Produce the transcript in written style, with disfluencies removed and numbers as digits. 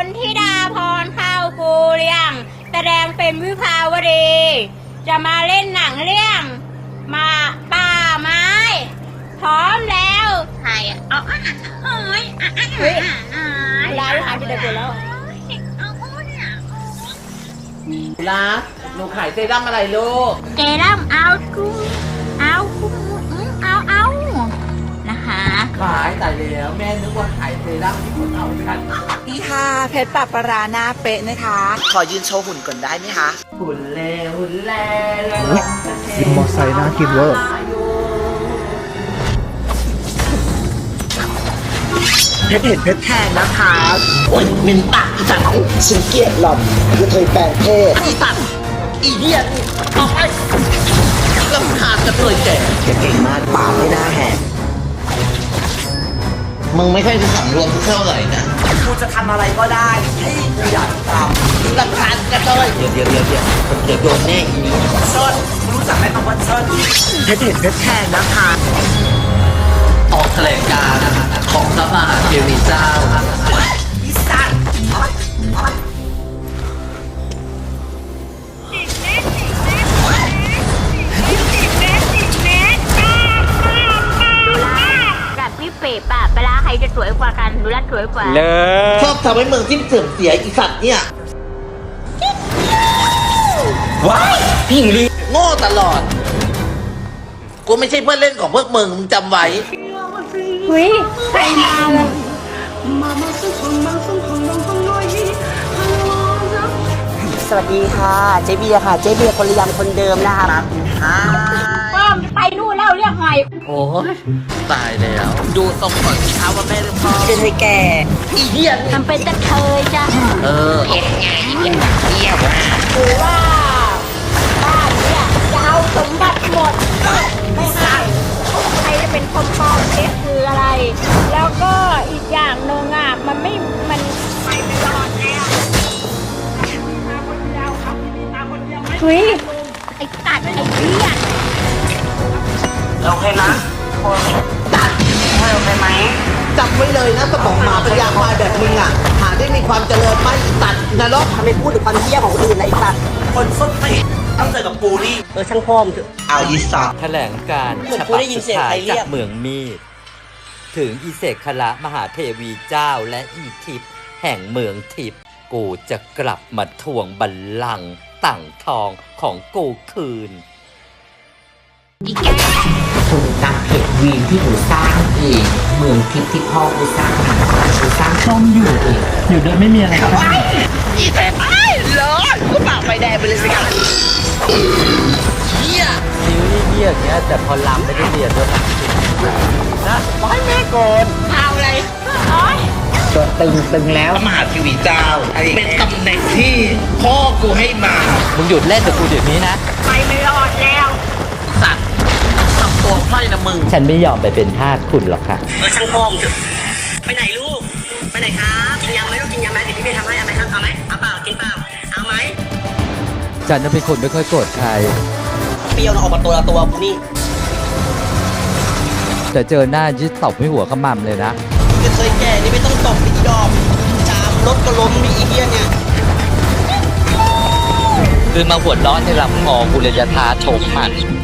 ธิดาพรเข้ากูเรียงแสดงเป็นวิภาวดีจะมาเล่นหนังเรื่องมาป่าไม้พร้อมแล้วใครอ่ะเอาเฮ้ยลายหายไปไหนหมดแล้วรักหนูขายเซรั่มอะไรลูกเซรั่มเอากุ้งเอานะคะขายแต่แล้วแม่นึกว่าขายเซรั่มที่คนเอากันนี่ค่ะเพชรปะปะราหน้าเป๊ะนะคะ ขอยืนโชว์หุ่นก่อนได้ไหมคะหุ่นแล่แล้วกินมอไซค์น่ากินเวอร์เพชรเห็นเพชรแทนนะคะโอ้ยมินปากอีสัตว์ฉันเกลียดหล่อนคือเธอแปลงเพศอีสัตว์อีเดียนออกไปลำคาญจะเคยแก่เก่งมากปากไม่น่าแหกมึงไม่ค่อยจะสำรวมเท่าไหร่นะกูจะทำอะไรก็ได้ให้กูอยากทำลำคาญกระเทยเดี๋ยวโดนแน่อีนี้เชิญรู้จักไหมคำว่าเชิญเพชรเห็นเพชรแทนนะคะออกแถลงการณ์ของพระมหาเทวีเจ้าอีสัตว์กับพี่เป๋ป่ะเวลาใครจะสวยกว่ากันดูแลสวยกว่าชอบทำให้เมืองที่เสื่อมเสียอีสัตว์เนี่ยว้ายพี่หญิงลีโง่ตลอดกูไม่ใช่เพื่อนเล่นของพวกมึงจำไว้เฮ้ยใครมาเลยสวัสดีค่ะเจ๊เบียร์ค่ะเจ๊เบียร์คนเรียงคนเดิมนะคะป้อมไปนู่นแล้วเรียกไงโอ้ยตายแล้วดูตรงก่อนสิคะว่าแม่หรือพ่อเป็นไงแกอีเดียนทำเป็นตะเคยจ้ะเห็นไงเป็นแบบเที่ยวหรือว่าบ้านเนี่ยจะเอาสมบัติหมดไม่ให้ใครจะเป็นคนปลอมเท็จคืออะไรแล้วก็อีกอย่างหนึ่งอ่ะมันไปไม่รอดแล้วเฮ้ยไอ้ตัดไอ้เหี้ยโอเคนะตัดโอเคไหมจำไว้เลยนะสมองหมาปัญญาควายแบบมึงอ่ะหาได้มีความเจริญไม่ตัดนรกทำไมพูดถึงความเหี้ยของคนอื่นนะไอ้ตัดคนส้นตีต้องเจอกับปูนี่ช่างพ่อมเอาอีสัตว์แถลงการฉบับสุดท้ายจากเมืองมีดถึงอีเสกขละมหาเทวีเจ้าและอีทิพย์แห่งเมืองทิพย์กูจะกลับมาทวงบัลลังก์ต่างทองของกูคืนถูกนำเพจวีนที่หนูสร้างเองเมืองทิพย์ที่พ่อกูสร้างมากูสร้างช่องอยู่เองอยู่โดยไม่มีอะไรครับอีแต่ไปเลยกูปากไฟแดงไปเลยสิครับเฮียซีรีส์เรียกเนี้ยแต่พอลำไม่ได้เรียนด้วยนะไม่แม่โกนเอาอะไรตัวตึงแล้วมหาเทวีเจ้าเป็นตำแหน่งที่พ่อกูให้มามึงหยุดเล่นกับกูเดี๋ยวนี้นะไปไม่รอดแล้วสัตว์ทำตัวไพร่นะมึงฉันไม่ยอมไปเป็นทาสคุณหรอกค่ะช่างพ่อมไปไหนลูกไปไหนครับกินยำไหมลูกกินยำไหมเดี๋ยวพี่ไปทำให้เอาไหมครับเอาไหมเอาเปล่ากินเปล่าเอาไหมฉันจะเป็นคนไม่ค่อยโกรธใครเปรี้ยวนะออกมาตัวกูนี่แต่เจอหน้ายึดตบให้หัวขมำเลยนะเคยแก่นี่ไม่ต้องตบอีดอมจามรถก็ล้มมีอีเดียเนี่ยคือมาหัวร้อนในลำคอกูเลยจะท้าชกมัน